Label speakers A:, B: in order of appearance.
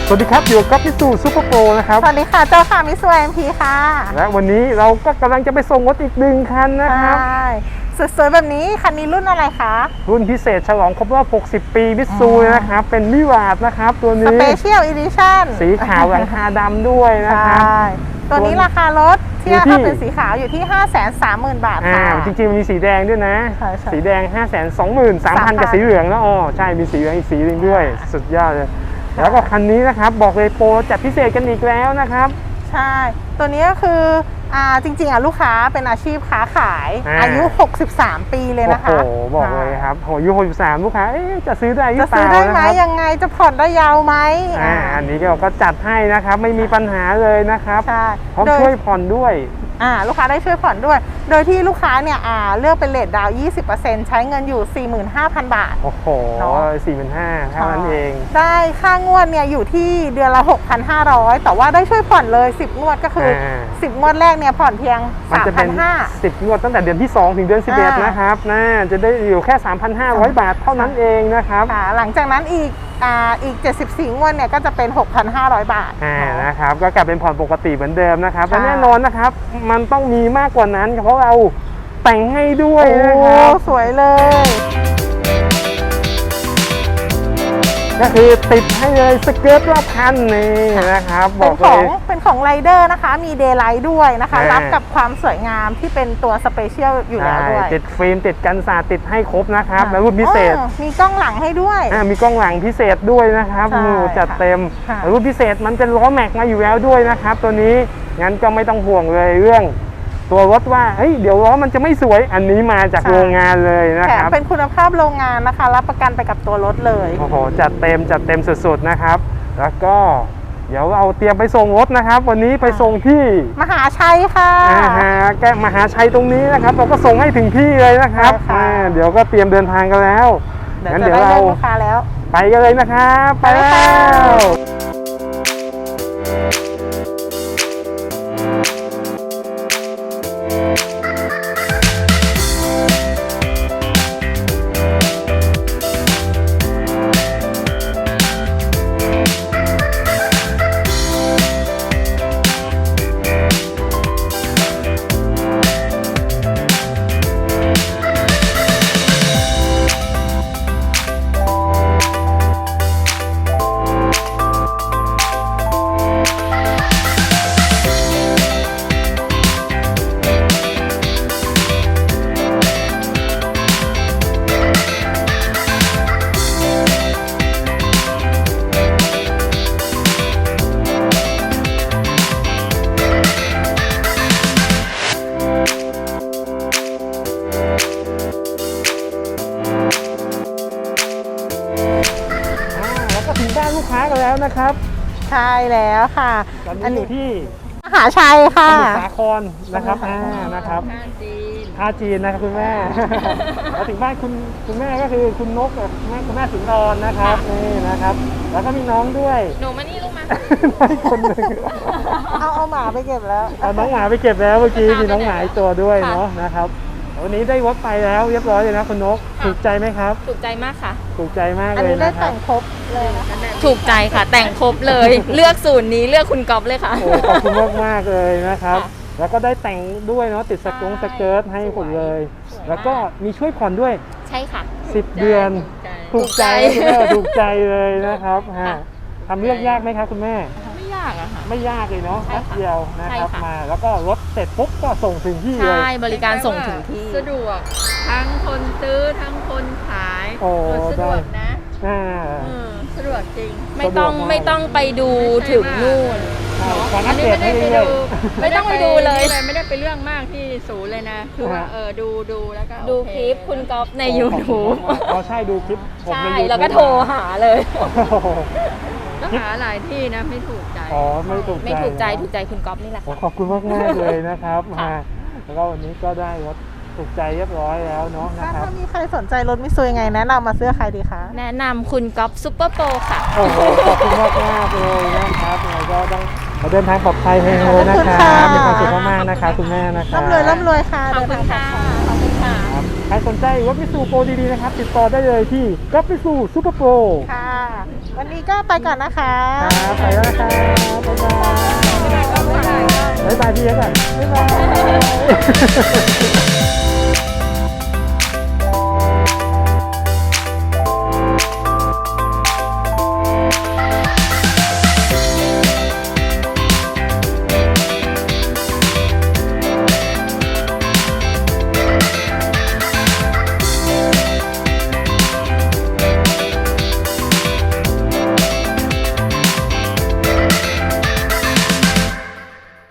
A: สวัสดีครับอยู่กับมิสูซูเปอร์โปรนะครับ
B: สวัสดีค่ะเจ้าค่ะมิสูMPค่ะ
A: และวันนี้เราก็กำลังจะไปส่งรถอีกหนึ่งคันนะครับ
B: ใช่สวยๆแบบนี้คันนี้รุ่นอะไรคะ
A: รุ่นพิเศษฉลองครบรอบ60 ปีมิสูนะครับเป็นมิวาดนะครับตัวนี้
B: Special Edition
A: สีขาวหลังคาดำด้วยนะครับ
B: ตัวนี้ราคารถที่ถ้าเป็นสีขาวอยู่ที่ 530,000 บาทค่ะ
A: จริงๆมันมีสีแดงด้วยนะสีแดง 523,000 กับสีเหลืองแล้วอ๋อใช่มีสีเหลืองอีกสีหนึ่งด้วยสุดยอดเลยแล้วก็คันนี้นะครับบอกเลยโปรจัดพิเศษกันอีกแล้วนะครับ
B: ใช่ตัวนี้ก็คือจริงๆลูกค้าเป็นอาชีพค้าขายอายุ63 ปีเลยนะคะ
A: โอ้โหบอกเลยครับอายุ63ลูกค้าจะซื้อได้หรือเปล่า
B: จะซื้อได้ไหมยังไงจะผ่อนได้ยาวไหม
A: อันนี้เราก็จัดให้นะครับไม่มีปัญหาเลยนะครับพร้อมช่วยผ่อนด้วย
B: ลูกค้าได้ช่วยผ่อนด้วยโดยที่ลูกค้าเนี่ยเลือกเป็นเรทดาวน์ 20% ใช้เงินอยู่ 45,000 บาท
A: โอ้โห 45,000 เท่านั้นเอง
B: ได้ค่างวดเนี่ยอยู่ที่เดือนละ 6,500 แต่ว่าได้ช่วยผ่อนเลย10งวดก็คือ10งวดแรกเนี่ยผ่อนเพียง 3,500
A: 10งวดตั้งแต่เดือนที่2ถึงเดือน11นะครับจะได้อยู่แค่ 3,500 บาทเท่านั้นเองนะครับ
B: หลังจากนั้นอีก74งวดเนี่ยก็จะเป็น 6,500 บาท
A: นะครับก็กลับเป็นผ่อนปกติเหมือนเดิมนะครับและแน่นอนนะครับมันต้องมีมากกว่านั้นเพราะเราแต่งให้ด้วยนะครับ
B: สวยเลย
A: ก็คือติดให้เลยสเกิร์ตรอบคันนี่นะครับบอกเลย
B: เป็นของไรเดอร์นะคะมีเดย์ไลท์ด้วยนะคะรับกับความสวยงามที่เป็นตัวสเปเชียลอยู่แล้วด้วย
A: ติดฟิล์มติดกันสาดติดให้ครบนะครับแล้วรุ่นพิเศษ
B: มีกล้องหลังให้ด้วย
A: มีกล้องหลังพิเศษด้วยนะครับจัดเต็มรุ่นพิเศษมันเป็นล้อแม็กมาอยู่แล้วด้วยนะครับตัวนี้งั้นก็ไม่ต้องห่วงเลยเรื่องตัวรถว่าเดี๋ยวล้อมันจะไม่สวยอันนี้มาจากโรงงานเลยนะครับ
B: เป็นคุณภาพโรงงานนะคะรับประกันไปกับตัวรถเลย
A: โอ้โหจัดเต็มสุดๆนะครับแล้วก็เดี๋ยวเราเตรียมไปส่งรถนะครับวันนี้ไปส่งที่
B: มหาชัยค่ะ
A: แกมหาชัยตรงนี้นะครับเราก็ส่งให้ถึงที่เลยนะครับเดี๋ยวก็เตรียมเดินทางกันแล้ว
B: งั้นเดี๋ยวเรา
A: ไปกันเลยนะครับไปแล้วลูกค้ากันแล้วนะครับ
B: ใช่แล้วค่ะ
A: อันนี้ที่
B: มหาชัยค่ะ
A: สมุทรสาครนะครับนะครับท่าจีนนะครับคุณแม่แล้วถึงบ้านคุณแม่ก็คือคุณนกกับคุณแม่สุนทรนะครับนี่นะครับแล้วก็มีน้องด้วย
C: หนูมานี่ลูกมา
A: คนหนึ่ง
B: เอาหมาไปเก็บแล้ว
A: เอาน้องหมาไปเก็บแล้วเมื่อกี้มีน้องหมาอีกตัวด้วยเนาะนะครับวันนี้ได้รถไปแล้วเรียบร้อยเลยนะคุณนกถูกใจไหมครับ
C: ถูกใจมากค่ะ
A: ถูกใจมากเลย
B: อันนี้ได้แต่งครบเลย
C: ถูกใจค่ะแต่งครบเลยเลือกสูตรนี้เลือกคุณก๊อฟเลยค่ะ
A: ขอบคุณมากเลยนะครับแล้วก็ได้แต่งด้วยเนาะติดสเกิร์ตให้หมดเลยแล้วก็มีช่วยผ่อนด้วย
C: ใช่ค่ะ
A: 10 เดือนถูกใจคุณแม่ถูกใจเลยนะครับทำเรื่องยากไหมครับคุณแม่
C: ไม่ยากอะค่ะ
A: ไม่ยากเลยเนาะแป๊บเดียวนะครับมาแล้วก็รถเสร็จปุ๊บก็ส่งถึงที่เลย
C: ใช่บริการส่งถึงที่สะดวกทั้งคนซื้อทั้งคนขายสะดวกนะสะดวกจริงไม่ต้องไปดูถึงนู่น
A: อันนี้ไม่ได้ไปดู
C: ไม่ต้องไปดูเลย
D: ไม่ได้ไปเรื่องมากที่ศูนย์เลยนะคือว่าดูแล้วก็
C: ดูคลิปคุณก๊อฟใน YouTube
A: ใช่ดูคลิป
C: ใช่แล้วก็โทรหาเลย
D: ต้องหาหลายที่นะไม่ถูกใจ
A: ไม่ถูก
C: ใจคุณก๊อฟนี่แหละ
A: ขอบคุณมากเลยนะครับแล้วก็วันนี้ก็ได้รถถูกใจเรียบร้อยแล้วเนาะนะครับ
B: ถ้ามีใครสนใจรถมิซูยังไงแนะนำมาเสื้อใครดีคะ
C: แนะนำคุณก๊อฟซุปเปอร์โปรค่ะ
A: ขอบคุณมากเลยนะครับยังไงก็ต้องเดินทางปลอดภัยให้เลยนะครับมีความสุขมากๆนะคะคุณแม่นะครับ
B: ร่ำรวยค่ะ
C: ขอบคุณค่ะ
A: ใครสนใจรถมิซูโปรดีๆนะครับติดต่อได้เลยที่ก๊อฟมิซูซุปเปอร์โปร
B: ค่ะวันนี้ก็ไปก่อนนะคะ
A: ครับไปแล้วนะครับบ๊ายบายบ๊ายบายพี่เอ๊ก่อนบ๊ายบาย